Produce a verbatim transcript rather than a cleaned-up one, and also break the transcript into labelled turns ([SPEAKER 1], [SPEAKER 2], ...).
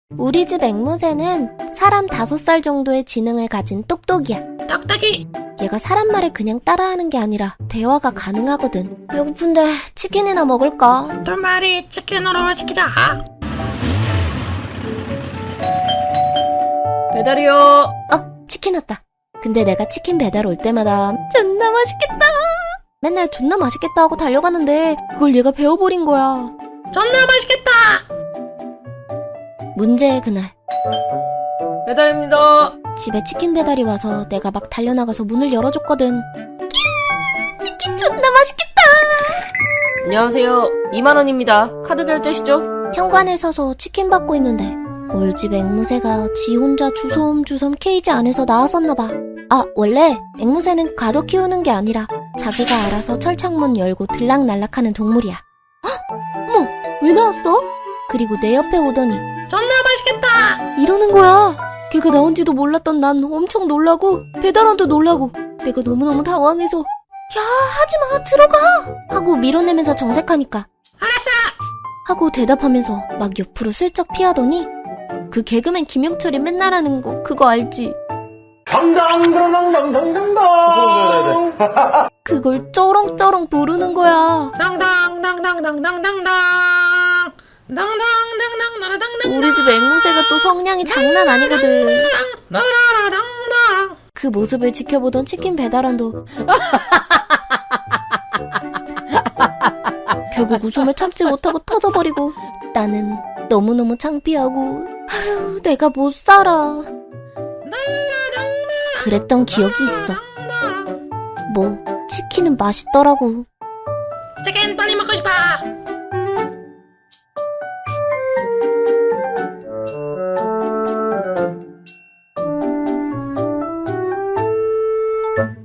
[SPEAKER 1] 우리 집 앵무새는 사람 다섯 살 정도의 지능을 가진 똑똑이야.
[SPEAKER 2] 똑똑이.
[SPEAKER 1] 얘가 사람 말을 그냥 따라하는 게 아니라 대화가 가능하거든. 배고픈데 치킨이나 먹을까?
[SPEAKER 2] 두 마리 치킨으로 시키자.
[SPEAKER 3] 배달이요.
[SPEAKER 1] 어, 치킨 왔다. 근데 내가 치킨 배달 올 때마다 존나 맛있겠다. 맨날 존나 맛있겠다 하고 달려가는데 그걸 얘가 배워버린 거야.
[SPEAKER 2] 존나 맛있겠다.
[SPEAKER 1] 문제의 그날
[SPEAKER 3] 배달입니다.
[SPEAKER 1] 집에 치킨 배달이 와서 내가 막 달려나가서 문을 열어줬거든. 끼야, 치킨 존나 맛있겠다.
[SPEAKER 3] 안녕하세요. 이만 원입니다. 카드 결제시죠?
[SPEAKER 1] 현관에 서서 치킨 받고 있는데 올집 앵무새가 지 혼자 주섬주섬 케이지 안에서 나왔었나봐. 아, 원래 앵무새는 가둬 키우는 게 아니라 자기가 알아서 철창문 열고 들락날락하는 동물이야. 헉! 어머, 왜 나왔어? 그리고 내 옆에 오더니
[SPEAKER 2] 존나 맛있겠다.
[SPEAKER 1] 이러는 거야. 걔가 나온지도 몰랐던 난 엄청 놀라고 배달원도 놀라고 내가 너무너무 당황해서 야, 하지마, 들어가 하고 밀어내면서 정색하니까
[SPEAKER 2] 알았어.
[SPEAKER 1] 하고 대답하면서 막 옆으로 슬쩍 피하더니 그 개그맨 김용철이 맨날 하는 거 그거 알지?
[SPEAKER 4] 당당당당당당당.
[SPEAKER 1] 그걸 쩌렁쩌렁 부르는 거야.
[SPEAKER 2] 당당당당당당당당. 당당당당당당당.
[SPEAKER 1] 우리 집 앵무새가 또 성량이 장난 아니거든.
[SPEAKER 2] 나라라당당.
[SPEAKER 1] 그 모습을 지켜보던 치킨 배달원도 결국 웃음을 참지 못하고 터져버리고 나는 너무너무 창피하고 아휴, 내가 못 살아. 그랬던 기억이 있어. 뭐 치킨은 맛있더라고.
[SPEAKER 2] 치킨 빨리 먹고 싶어.